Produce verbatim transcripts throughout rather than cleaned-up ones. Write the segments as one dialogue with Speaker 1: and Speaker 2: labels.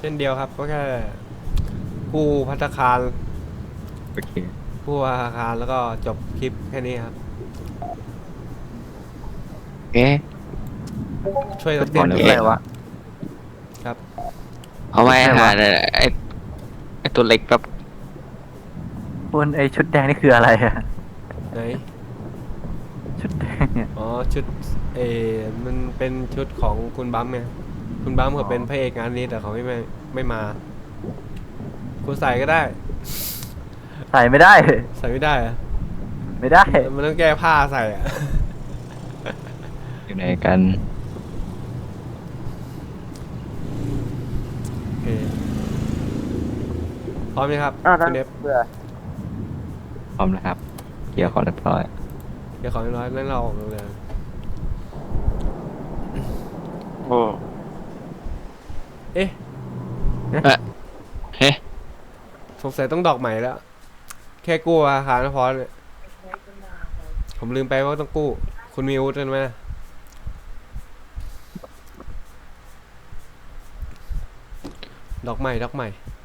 Speaker 1: เช่นเดียวครับก็แค่กู้ภัตตาคาร
Speaker 2: โอเค
Speaker 1: กู้ภัตตาคารแล้วก็จบคลิปแค่นี้ครับ
Speaker 2: เอ๊ะ
Speaker 1: ช่วย
Speaker 3: จุ
Speaker 1: นักเรียน
Speaker 3: ดบอลคือ
Speaker 2: เอ๊ะ
Speaker 3: อะไรวะ
Speaker 1: ครับ
Speaker 2: เอาไว้
Speaker 3: อะไรวะ
Speaker 2: หาไอ้ไอ้ตัวเล็กแบบ
Speaker 3: คุณไอชุดแดงนี่คืออะไรอะ
Speaker 1: ไหน
Speaker 3: ชุดแดงเนี่ย
Speaker 1: อ๋อชุดเออมันเป็นชุดของคุณบัมไงคุณบัมเขาเป็นพระเอกงานนี้แต่เขาไม่ไม่ไม่มาคุณใส่ก็ได้
Speaker 3: ใส่ไม่ได้
Speaker 1: ใส่ไม่ได้อะ
Speaker 3: ไม่ได้
Speaker 1: มันต้องแก้ผ้าใส่อะ
Speaker 2: อยู่ไหนกัน
Speaker 1: โอเคพร้อมไหมครับ
Speaker 3: อ้าว
Speaker 1: คุณเอฟ
Speaker 3: เบื่อ
Speaker 2: พร้อมแล้วครับเกี่ยวของเรียบร้อย
Speaker 1: เดี๋ยวขอน้อยนั่นเราออกเลย
Speaker 2: โอ้
Speaker 1: เอ๊ะ
Speaker 2: เฮ้
Speaker 1: สงสัยต้องดอกใหม่แล้ว แค่กู้อาคารก็พอเลยผมลืมไปว่าต้องกู้ คุณมีอาวุธกันไหมนะดอกใหม่ดอกใหม่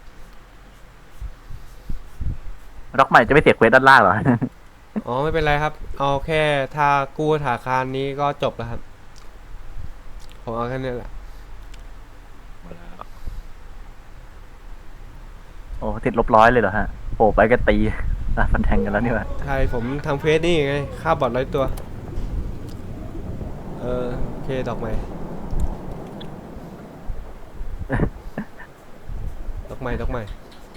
Speaker 3: ร็อกใหม่จะไม่เสียเควสด้านล่างเหรอ
Speaker 1: อ๋อไม่เป็นไรครับ เอาแค่ถ้ากู้ธนาคารนี้ก็จบแล้วครับ ผมเอาแค่นี้แหละ
Speaker 3: โอ้ติดลบร้อยเลยเหรอฮะโอ้ไปก็ตีตาฟันแทงกันแล้วนี่วะ
Speaker 1: ใช่ผมทำเฟซนี่ไงค่าบอทร้อยตัว เออโอเคดอกใหม่ ดอกใหม่ดอกใหม่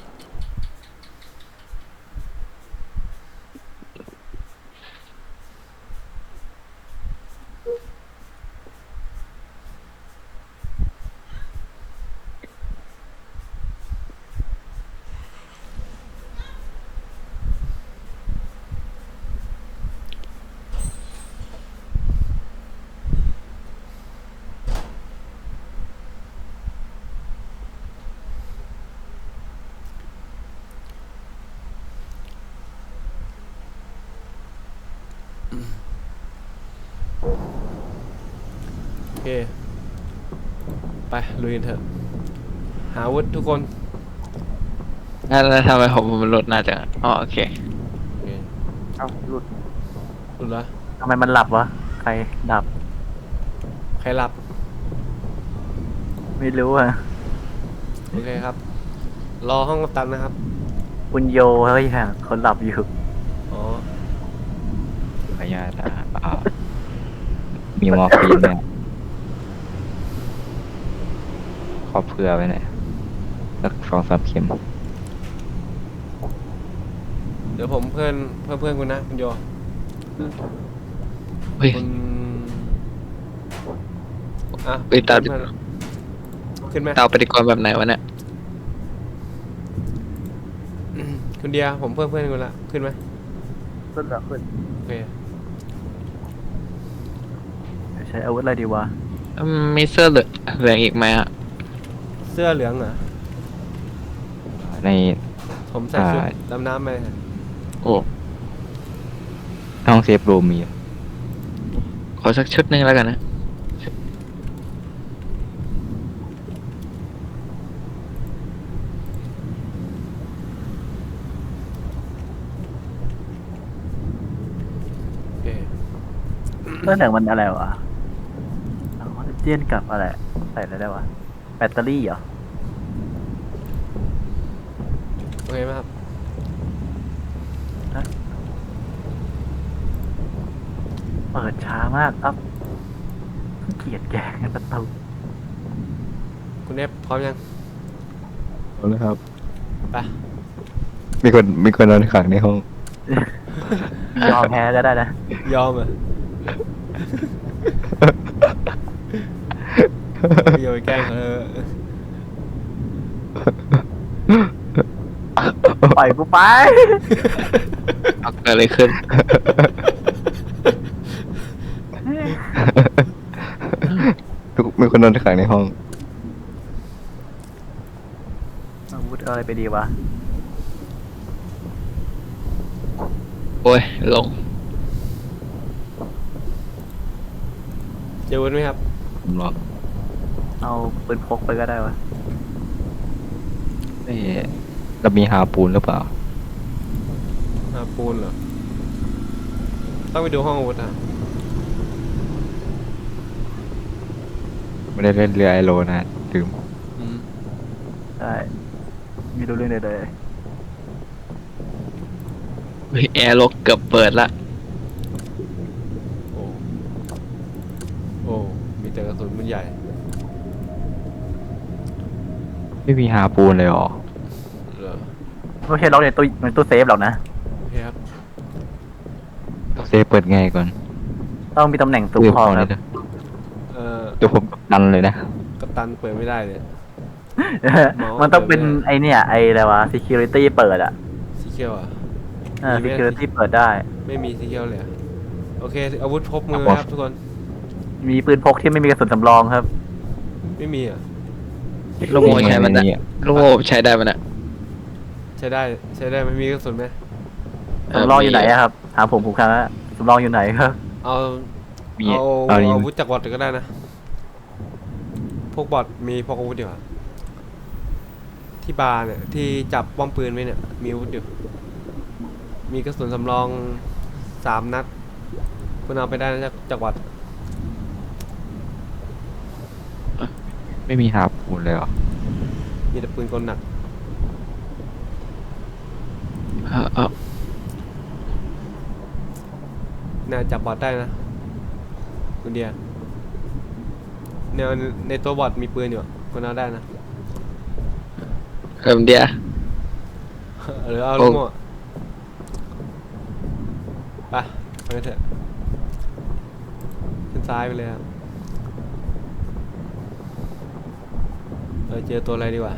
Speaker 1: โอเค ไปลุยกันเถอะ หาอาวุธทุกคน
Speaker 2: แล้วทำไมผมมันลดน่าจะอ๋อโอเค
Speaker 1: โอเค
Speaker 3: เอ้าหลุด
Speaker 1: หลุดละ
Speaker 3: ทำไมมันหลับวะใครดับ
Speaker 1: ใครหลับ
Speaker 3: ไม่รู้อะ
Speaker 1: โอเคครับ รอห้องกัปตันนะครับ
Speaker 3: คุณโยเฮ้ยฮะคนหลับอยู่
Speaker 1: อ๋อ
Speaker 2: ขออนุญาตอ่ะอ่ามีมอร์ฟีนเนี่ยขอเผื่อไว้หน่อยสักสองสามเข็ม
Speaker 1: เดี๋ยวผมเพื่อนเพื่อนเพื่อนคุณนะคุณโย
Speaker 2: เฮ้ย
Speaker 1: คุณอ่ะ
Speaker 2: ไปตาม
Speaker 1: เพื่อนขึ้นไหม
Speaker 2: เตาปฏิกรณ์แบบไหนวะเนี่ย
Speaker 1: คุณเดียผมเพื่อนเพื่อนคุณละขึ้นไหม
Speaker 3: ขึ้นเหรอขึ้น
Speaker 1: โอเค
Speaker 3: ใช้อาวุธอะไรดีวะ
Speaker 2: อืมมีเสื้อเหลืองเหลืองอีกไหมอ่ะ
Speaker 1: เสื้อเหลืองเหรอ
Speaker 2: ใน
Speaker 1: ผมใส่ชุด
Speaker 2: อ่า
Speaker 1: ดำน้ำไป
Speaker 2: โอ้ห้องเซฟรูมมีอยู่ขอสักชุดหนึงแล้วกันนะ
Speaker 1: โอเค
Speaker 3: เรื่องหนังมันอะไรวะออกซิเจนกับอะไรใส่อะไรได้วะแบตเตอรี่เหรอ
Speaker 1: โอเคไหมครับ
Speaker 3: เปิดช้ามากครับเกลียดแกงประตู
Speaker 1: คุณเอฟพร้อมยัง
Speaker 2: เอาเลยครับ
Speaker 1: ไป
Speaker 2: มีคนมีคนนอนขังในห้อง
Speaker 3: ยอมแพ้ก็ได้นะ
Speaker 1: ยอมเหรอ่ะ โยนแกล้งเขาเถอะ
Speaker 3: ปล่อยกูไป
Speaker 2: เอาเกิดอะไรขึ้น ทุกมีคนนอนขังในห้อง
Speaker 3: อาวุธอะไรไปดีวะ
Speaker 2: โอ้ย ลง
Speaker 1: เจอวุ้นไหมครับ
Speaker 2: ผมรอ
Speaker 3: เอาปืนพกไปก็ได้วะ
Speaker 2: เอ๊ะเรามีฮาปูนหรือเปล่า
Speaker 1: หาปูนเหรอต้องไปดูห้องอาวุธอ่ะ
Speaker 2: ไม่ได้เล่นเรือไอโรนะลืม
Speaker 1: อืม
Speaker 3: ใช่ไม่รู้เรื่องใดเลย
Speaker 2: เฮ้ยแอร์ล็อกเกือบเปิดละ
Speaker 1: โอ้โอ้มีแต่กระสุนมันใหญ่
Speaker 2: ไม่มีฮาปูนเลยเหรอ
Speaker 1: เหรอ
Speaker 3: ไม่ใช่ล็อกในตู้ในตู้เซฟหรอกนะ
Speaker 1: โอเคครับ
Speaker 2: เซฟเปิดไงก่อน
Speaker 3: ต้องมีตำแหน่งสูง
Speaker 2: เดี๋ยว
Speaker 3: พอ
Speaker 2: พอ
Speaker 3: ค
Speaker 2: เล
Speaker 3: รับ
Speaker 2: ยนะ
Speaker 1: เอ่อ
Speaker 2: เดี๋ยวผมดันเลยนะ
Speaker 1: กัปตันเปิดไม่ได้เลย เมาส์
Speaker 3: มันต้องเป็น
Speaker 1: เปิดไม่ได้
Speaker 3: ไอเนี่ยไออะไรวะ security เปิดอะ
Speaker 1: สีเขียวอ่ะ
Speaker 3: เออ
Speaker 1: มีไหม
Speaker 3: security เปิดได้
Speaker 1: ไม่มีสีเขียวเลยอะโอเค อาวุธพกมือ
Speaker 2: ครับ
Speaker 1: ครับทุกคน
Speaker 3: มีปืนพกที่ไม่มีกระสุนสำรองครับ
Speaker 1: ไม่มีอ่ะ
Speaker 2: ลูกโม่ใช้มันนะลูกโม่ใช้ได้มันนะ
Speaker 1: ใช้ได้ใช้ได้ไม่มีกระสุนไหม
Speaker 3: สำรองอยู่ไหนอะครับถามผมผมครับว่าสำรองอยู่ไหนครับ
Speaker 1: เอา
Speaker 2: มี
Speaker 1: เอา
Speaker 2: เอานี่
Speaker 1: อาวุธจากบอทก็ได้นะ พวกบอทมีพกอาวุธอยู่อะที่บาร์เนี่ยที่จับป้อมปืนไว้เนี่ยมีอาวุธอยู่ มีกระสุนสำรองสามนัดคุณเอาไปได้นะจากจากบอท
Speaker 2: ไม่มีฮาปูนเลยเหรอ
Speaker 1: มีแต่ปืนกลหนัก
Speaker 2: เออเออ
Speaker 1: น่าจับบอทได้นะคุณเดียเนี่ยในตัวบอทมีปืนอยู่คุณเอาได้นะ
Speaker 2: เอิมเดีย
Speaker 1: หรือเอา
Speaker 2: โอ้
Speaker 1: ลูกโม่ไปไปกันเถอะขึ้นซ้ายไปเลยครับเออเจอตัวอะไรดีกว่า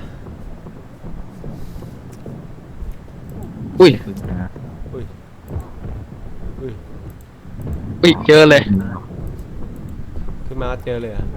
Speaker 2: อุ้ย
Speaker 1: อุ้ยอุ้ย
Speaker 2: อุ้ยเจอเลย
Speaker 1: ขึ้นมาก็เจอเลยอ่ะ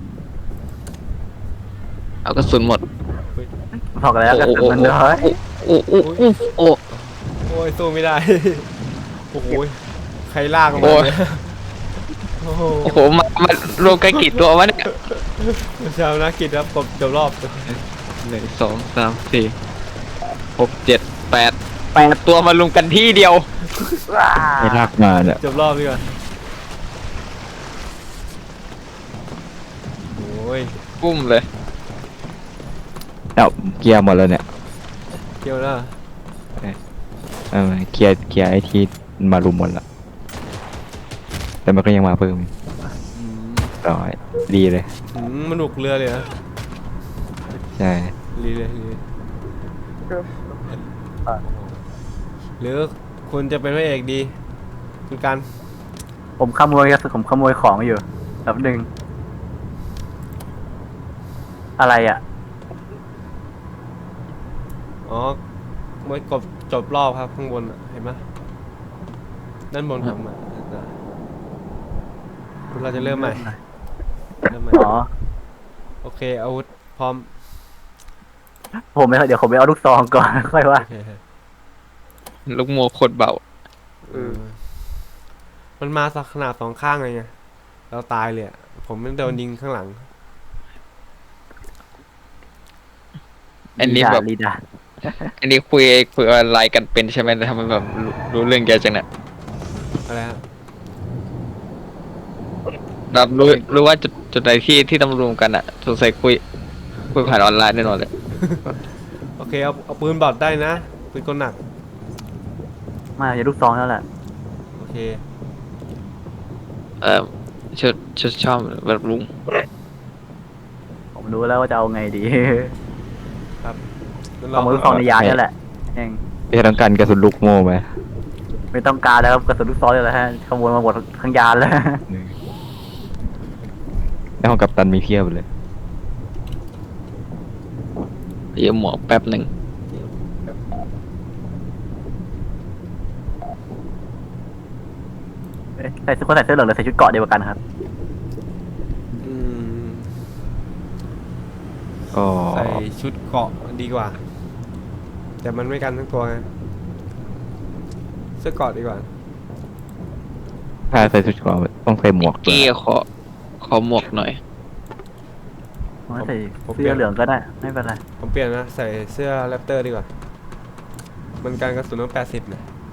Speaker 2: เอากระสุนหมด
Speaker 1: อุ้ย
Speaker 3: บอกแล้วกระสุนมันน้อย
Speaker 2: โอ้โอ้โอ้โอ้
Speaker 1: โอ้ยสู้ไม่ได้ โอ้โหใครลากมา
Speaker 2: โอ้ย
Speaker 1: เนี่ยโอ้โห
Speaker 2: โอ้โหมามารวมกันกี่ตัววะเนี่ย
Speaker 1: ชาวนักกิจครับกบจบรอบ
Speaker 2: หนึ่งสองสามสี่หกเจ็ดแปดแปดตัวมารวมกันที่เดียว ไม่ลากมาเนี่ย
Speaker 1: จบรอบดีกว่าโอ้ย
Speaker 2: ปุ้มเลยเอาเกียร์หมดแล้วเนี่ย
Speaker 1: เกี่ยวนะ
Speaker 2: เออเกียร์เกียร์ไอที่มารุมหมดละแต่มันก็ยังมาเพิ่ม
Speaker 1: อืม
Speaker 2: ร้อยดีเลย
Speaker 1: อืมมันหนุกเรือเลยนะ
Speaker 2: ใช่
Speaker 1: รีเลยรีเลยหรือคุณจะเป็นพระเอกดี คุณกัน
Speaker 3: ผมขโมยกระสุนผมขโมยของอยู่แป๊บหนึ่งอะไรอ่ะ
Speaker 1: อ๋อเมื่อกบจบรอบครับข้างบนอะเห็นไหมด้านบนครับมาน่ะเราจะเริ่มใหม่เริ่มใหม่
Speaker 3: อ๋อ
Speaker 1: โอเคอาวุธพร้อม
Speaker 3: ผมไม่เดี๋ยวผมไปเอาลูกซองก่อน ค่อยว่า
Speaker 1: โอเค
Speaker 2: ลูกโมโคตรเบา
Speaker 1: เออมันมาสักขนาดสองข้างเลยไงเราตายเลยอะผมไม่โดนยิงข้างหลัง
Speaker 2: อันนี้แบบ
Speaker 3: ลีดา
Speaker 2: อันนี้คุยคุยอะไรกันเป็นใช่ไหมแต่ทำไมแบบรู้รู้เรื่องเยอะจังเนี่ย
Speaker 1: อะไรฮะ
Speaker 2: แบบรู้รู้ว่าจุดจุดไหนที่ที่ต้องรวมกันอ่ะสงสัยคุยคุยผ่านออนไลน์แน่นอนเลย
Speaker 1: โอเคเอาเอาปืนบอดได้นะปืนกลหนัก
Speaker 3: มาอย่าลูกซองนั่นแหละ
Speaker 1: โอเค
Speaker 2: เออชุดชุดชอบแบบลุง
Speaker 3: ผมรู้แล้วว่าจะเอาไงดี
Speaker 1: ครับงั้น
Speaker 3: ข
Speaker 1: เรา
Speaker 3: โมยลูกซองในยานนั่นแหละเอง
Speaker 2: จะต้องการกระสุนลูกโม่ไหม
Speaker 3: ไม่ต้องการแล้วครับกระสุนลูกซองเลยแหละฮะขโมยมาหมดทั้งยานแล้ว
Speaker 2: ในห้องกัปตันมีเพียบเลยเยี่ยมหมวกแป๊บหนึ่ง
Speaker 3: เอ๊ะใส่คนใส่เสื้อเหลืองหรือใส่ชุดเกราะเดียวกันครับ
Speaker 1: อืม
Speaker 2: ก็
Speaker 1: ใส่ชุดเกราะดีกว่า แต่มันไม่กันทั้งตัวไงเสื้อเกราะดีกว่า
Speaker 2: ถ้าใส่ชุดเกราะต้องใส่หมวกด้วย
Speaker 4: กี้ขอขอหมวกหน่อย
Speaker 3: ผมว่าใส่
Speaker 1: ผมเปลี่
Speaker 3: เสื้
Speaker 1: ย
Speaker 3: อน เหลืองก็ได้ ไม่เป็นไร
Speaker 1: ผมเปลี่ยนนะใส่เสื้อแรปเตอร์ดีกว่ามันการกระสุนต้องแปดสิบนะ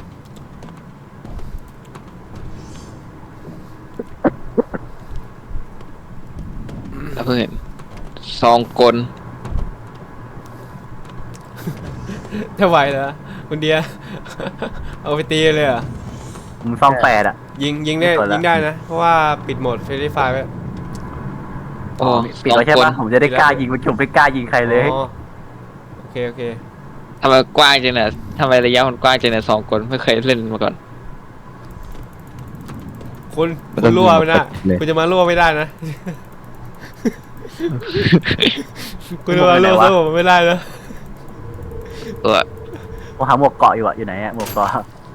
Speaker 2: แล้วเพิ่งเห็นซองกล
Speaker 1: จะไหวเหรอคุณเดีย เอาไปตีเลยเหรอ่ะ
Speaker 3: ผมซองแปดอ่ะ
Speaker 1: ยิงยิงได้
Speaker 3: ไม่สนละ
Speaker 1: ยิงได้นะ เพราะว่าปิดโหมดเฟรนไฟไว้
Speaker 2: โอ้
Speaker 3: ปิดไว้ใช่ปะผมจะได้กล้ายิงผมไม่กล้ายิงใครเลย
Speaker 1: อ๋อโอเคโอเค
Speaker 2: ทำไมกว้างจังเนี่ยทำไมระยะมันกว้างจังเนี่ยสองคนไม่เคยเล่นมาก่อน
Speaker 1: คุณ
Speaker 4: มัน
Speaker 1: คุ
Speaker 4: ต้อ
Speaker 1: ณ
Speaker 4: ง
Speaker 1: รั่วไปนะ
Speaker 4: เลย
Speaker 1: คุณจะมารั่วไม่ได้นะ คุณจะมา
Speaker 3: รั่
Speaker 1: รั่ว
Speaker 3: วไปไหนวะ
Speaker 1: สู้ผมไม่ได้นะ
Speaker 2: เออ
Speaker 3: ผมหาหมวกเกาะอยู่อะอยู่ไหนอะหมวกเกาะ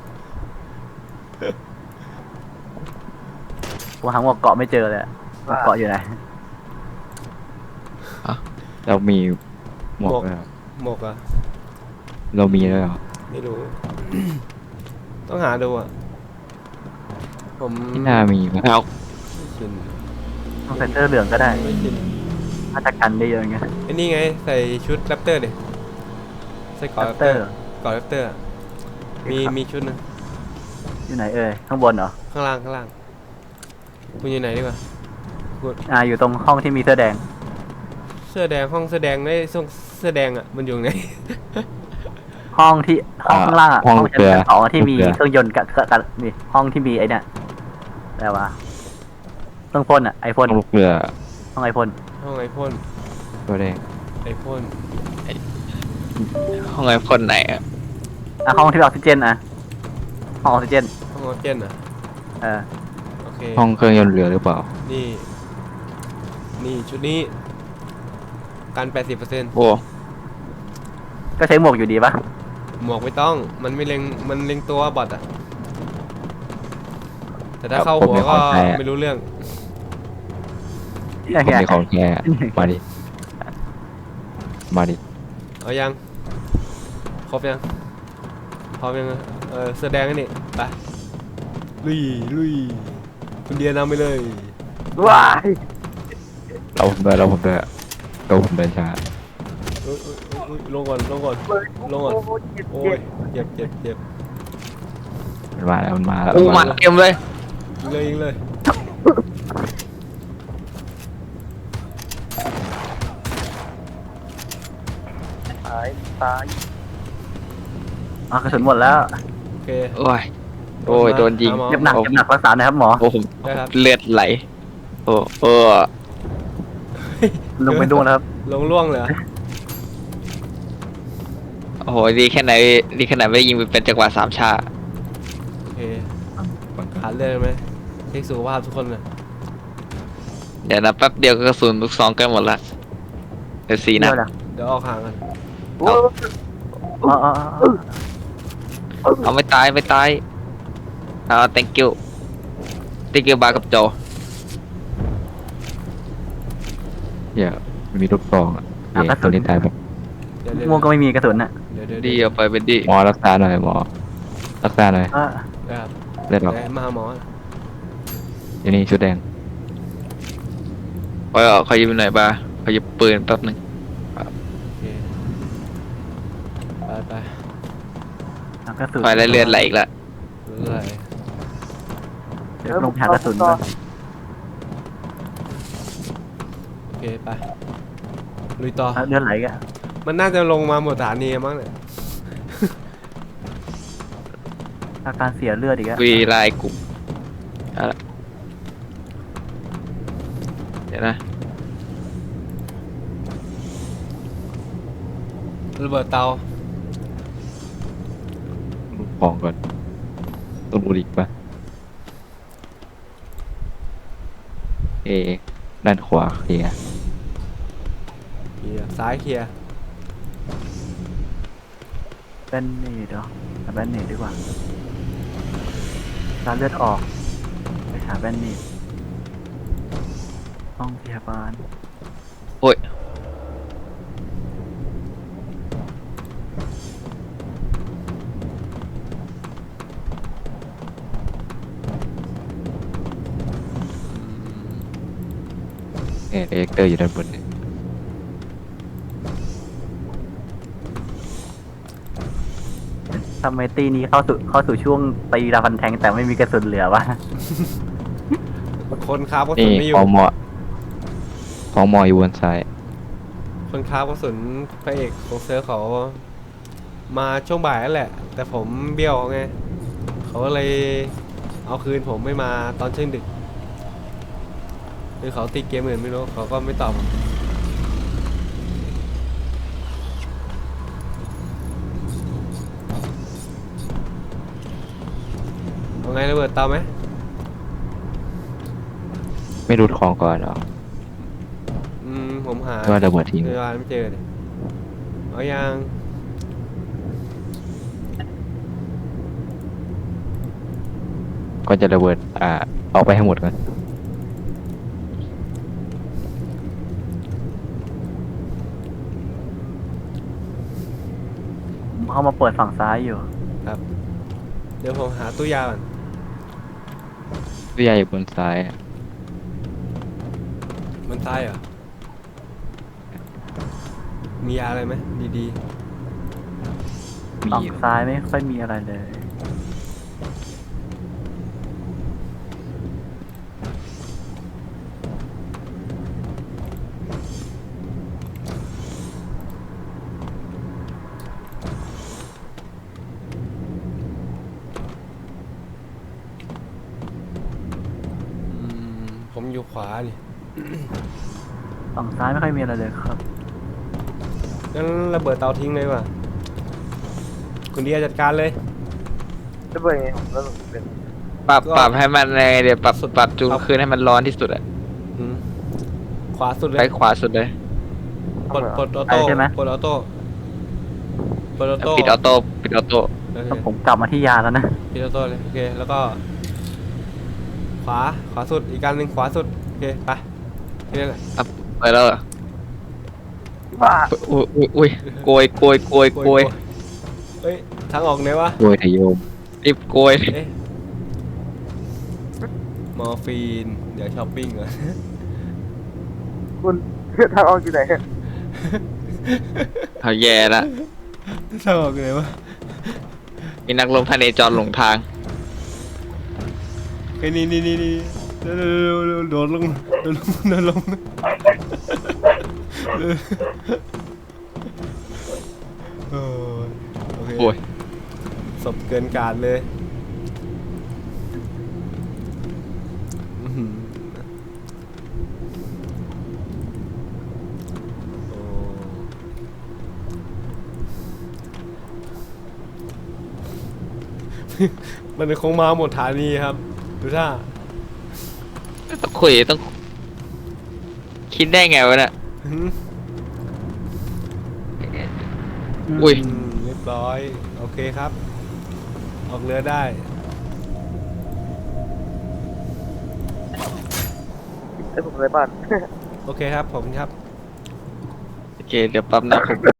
Speaker 3: ผมหาหมวกเกาะไม่เจอเลยอะหมวกเกาะอยู่ไหน
Speaker 4: เรามีหมวกด้วยเหรอ
Speaker 1: หมกอ่ะ
Speaker 4: เรามีแล้วยเหรอ
Speaker 1: ไม่รู้ ต้องหาดูอ่ะ ผม
Speaker 4: ที่น่ามีปะ
Speaker 2: เอา
Speaker 1: ไม่ชิน
Speaker 3: ต้องใส่เสื้อเหลืองก็ได้
Speaker 1: ไม่ชิน
Speaker 3: ถ้าจะกันได้เยอะไง
Speaker 1: ไอ้นี่ไงใส่ชุดแรปเตอร์ดิใส่เกอดแรป
Speaker 3: เต
Speaker 1: เต
Speaker 3: อ
Speaker 1: อ
Speaker 3: ร์
Speaker 1: ร์เกอดแรปเตอร์อะมีมีชุดหนึง
Speaker 3: อยู่ไหนเอ่ยข้างบนเหรอ
Speaker 1: ข้างล่างข้างล่าง คุณอยู่ไหนดีกว่าคุณ
Speaker 3: อ่าอยู่ตรงห้องที่มีเสื้อแดง
Speaker 1: เสื้อแดงห้องเสื้อแดงได้ส่งเสื้อแดงอ่ะมันอยู่ไหน
Speaker 3: ห้องที่ห้องข้างล่างอะ
Speaker 4: ห้อง
Speaker 3: ห้องชั้
Speaker 4: เรือน
Speaker 3: สองอะที่มี
Speaker 4: รือ
Speaker 3: เครื่องยนต์กับกับกับนี่ห้องที่มีไอ้เนี่ยอะไรวะเครื่องพ่นอะไอพ่น
Speaker 4: ห้องลูกเรือ
Speaker 3: ห้องไอพ่น
Speaker 1: ห้องไอพ่น
Speaker 4: ตัวแดง
Speaker 1: ไอพ่น
Speaker 2: ห้องไอพ่นไหนอะ
Speaker 3: อ่ะห้องที่มีออกซิเจนอะห้องออกซิเจน
Speaker 1: ห้องออกซิเจนอ่ะ
Speaker 3: เออ
Speaker 1: โอเค
Speaker 4: ห้องเครื่องยนต์เรือหรือเปล่า
Speaker 1: นี่ นี่ชุดนี้กันแปดสิบเปอร์เซ็นต์
Speaker 2: โอ้
Speaker 3: ก็ใช้หมวกอยู่ดีปะ
Speaker 1: หมวกไม่ต้อง มันไม่เล็ง มันเล็งตัวบอทอ่ะ แต่ถ้าเข้าหัวก็ไม่รู้เรื่อง
Speaker 3: เนี่ย
Speaker 4: ผม
Speaker 3: ไง
Speaker 4: มีของแท้มาดิ มาดิ
Speaker 1: เอายัง ครบยัง พร้อมยัง เออเสื้อแดงนี่ ไป ลุย ลุย คุณเดียนำไปเลย
Speaker 3: ว้าย
Speaker 4: เราผมด้วยเราผมด้วยเราผมเดินช้า
Speaker 1: อุ๊ยอุ๊ยอุ๊ยลงก่อน ลงก่อน ลงก่อน โอ้ยเจ็บเจ็บเจ็บ
Speaker 4: มันมาแล้วมันมาแล้ว
Speaker 2: โอ้
Speaker 4: มัน
Speaker 2: มา
Speaker 4: มาแล้ว
Speaker 2: เต็มเลย
Speaker 1: ยิงเลยยิงเลย
Speaker 3: ตายตายอ่ะกระสุนหมดแล้ว
Speaker 1: โอเค
Speaker 2: โอ้ยโอ้ยโดนยิง
Speaker 1: หาหมอ
Speaker 3: เจ็บหนักเจ็บหนักรักษาหน่อยครับหมอ
Speaker 2: โอ้ผม
Speaker 1: ได้ครับ
Speaker 2: เลือดไหลโอ้เออ
Speaker 3: ลงไปดูนะครับ
Speaker 1: ลงล่วงเลยเหรอ
Speaker 2: โอ้โหดีแค่ไหนดีแค่ไหนไม่ได้ยิงเป็นจังหวะสามชา
Speaker 1: โอเคขาดเลือดไหมเช็คสุขภาพทุกคนเลย
Speaker 2: เดี๋ยวนะแป๊บเดียวก็กระสุนลูกซองใกล้หมดละเดี๋ยวสี่นัด
Speaker 3: เดี๋ยวนะ
Speaker 1: เดี๋ยวออกห่างกัน
Speaker 3: อ๋ออ๋ออ๋อ
Speaker 2: เอาไม่ตายไม่ตายเอา thank you thank you บาร์กับโจ
Speaker 4: เดี๋ยวมันมีลูกซองอ่ะเอ๊ะตัวนี้ตายแบบ
Speaker 1: เดี๋ยวเดี๋ยว
Speaker 3: ม่วงก็ไม่มีกระสุนอ่ะ
Speaker 1: เดี๋ยวเดี๋ยว
Speaker 2: ดี
Speaker 1: เดี๋ยว
Speaker 2: เอาไปเป็นดี
Speaker 4: หมอรักษาหน่อยหมอ รักษาหน่อย
Speaker 3: เออ
Speaker 1: ครับ
Speaker 4: เลือดออก
Speaker 1: เดี๋ยวมาหาหมอ
Speaker 4: อยู่นี่ชุดแดง
Speaker 2: ขอขอยืมหน่อยบาร์ขอยืมปืนแป๊บหนึง
Speaker 1: โอเคไปไป
Speaker 3: เอากระสุน
Speaker 2: ไฟแล้วเลือดไหลอีกละ
Speaker 1: เรื่อย
Speaker 3: เดี๋ยวลงหากระสุนก่อน
Speaker 1: โอเคไปลุยต่อ
Speaker 3: เอาเลือดไหลกัน
Speaker 1: มันน่าจะลงมาหมดฐานีมั้งเนี่ย
Speaker 3: อาการเสียเลือดอีกแล้ว
Speaker 2: วีไลน์กลุ่มเอาละเดี๋ยวนะ
Speaker 1: ระเบิดเตา
Speaker 4: ลูกของก่อนต้องดูอีกปะเอะด้านขวาเคลียร์
Speaker 1: เคลียร์ซ้ายเคลียร์
Speaker 3: แบนเนตเหรอหาแบนเนตดีกว่าตาเลือดออกไปหาแบนเนตห้องพยาบาล
Speaker 2: โอ้ย
Speaker 4: เอะเอ็กเตอร์อยู่ด้านบนเนี่ย
Speaker 3: ทำไมตีนี้เข้าสู่เข้าสู่ช่วงตีราฟันแทงแต่ไม่มีกระสุนเหลือวะ
Speaker 1: คนค้ากระสุ
Speaker 4: นี่
Speaker 1: นไม่อยู่
Speaker 4: ของหมอของหมออยู่บนซ้าย
Speaker 1: คนค้ากระสุนพระเอกของเซิร์ฟเขามาช่วงบ่ายนั่นแหละ แต่ผมเบี้ยวไงเขาก็เลยเอาคืนผมไม่มาตอนเช่วงดึกหรือเขาติดเกมอื่นไม่รู้เขาก็ไม่ตอบผมเอาไงระเบิดเตาไหม
Speaker 4: ไม่รูดของก่อนเหรอ
Speaker 1: อืมผมหา
Speaker 4: หรือว่าระเบิดทิ้ง
Speaker 1: เจอไม่เจอเลยเอายัง
Speaker 4: ก็จะระเบิดอ่าเอาไปให้หมดก่อน
Speaker 3: เขามาเปิดฝั่งซ้ายอยู่
Speaker 1: ครับ เดี๋ยวผมหาตู้ยาก่อน
Speaker 4: วิทยาอยู่บนซ้ายอะ
Speaker 1: มันตายเหรอมียาอะไรไหมดี
Speaker 4: มี
Speaker 3: ฝั่ง
Speaker 4: อยู่
Speaker 3: ซ้ายไม่ค่อยมีอะไรเลย
Speaker 1: ๆอืมผมอยู่ขวาดิ
Speaker 3: ฝั่งซ้ายไม่ค่อยมีอะไรเลยครับ
Speaker 1: งั้นระเบิดเตาทิ้งเลยว่ะคุณเดียจัดการเลย
Speaker 5: จะเปิดยังไงผมก็เป็น
Speaker 2: ปรับ
Speaker 1: ก็
Speaker 2: ปรับให้มันไงเดี๋ยวปรับ
Speaker 1: สุด
Speaker 2: ปรับจูน
Speaker 1: ครับ
Speaker 2: คืนให้มันร้อนที่สุดอะ
Speaker 1: อืมขวาสุดเล
Speaker 2: ไป
Speaker 1: ย
Speaker 2: ขวาสุดเลย
Speaker 1: ปลดปลดออโต้
Speaker 3: ไปใช่ไหม
Speaker 1: ปลดออโต้ปลดออโต้
Speaker 2: ปิดออโต้ปิดออโต้
Speaker 1: โอเค
Speaker 3: แล้วผมกลับมาที่ยาแล้วนะ
Speaker 1: ปิดออโต้เลยโอเคแล้วก็ ขวาขวาสุดอีกการหนึ่งขวาสุดโอเคไปแค่นี้แหละ
Speaker 2: อ่ะไปแล้วเหรอ
Speaker 5: บ้า
Speaker 2: อุ้ยอุ้ยอุ้ยโกยโกยโกยโกย
Speaker 1: เฮ้ยทางออกไหนวะ
Speaker 4: โดยทะโยม
Speaker 2: รีบโกย
Speaker 1: เอ๊ะมอร์ฟีนเดี๋ยวช้อปปิ้งก่อน
Speaker 5: คุณทางออกอยู่ไหน
Speaker 2: เอาแย่ละ
Speaker 1: ทางออกไหนวะ
Speaker 2: มีนักลงพเนจรหลงทาง
Speaker 1: ไอ้ยนี่นี่นี่นี่เร็วเร็วเร็วเร็วโดดลงโดดลงโดดลงเออโอ้ยโอเค
Speaker 2: โอ้ย
Speaker 1: ศพเกินการเลยอื้อหือโอ้มันคงมาหมดฐานีครับ ดูท่า
Speaker 2: ต้องคุยต้อง คิดได้ไงวะเนี่ย
Speaker 1: หืม
Speaker 2: อุ้ย
Speaker 1: อืมเรียบร้อย โอเคครับ ออกเรือได้
Speaker 5: ให้ผมเลยบ้าน
Speaker 1: โอเคครับผมครับ
Speaker 2: โอเค เดี๋ยวแปั๊บนะผม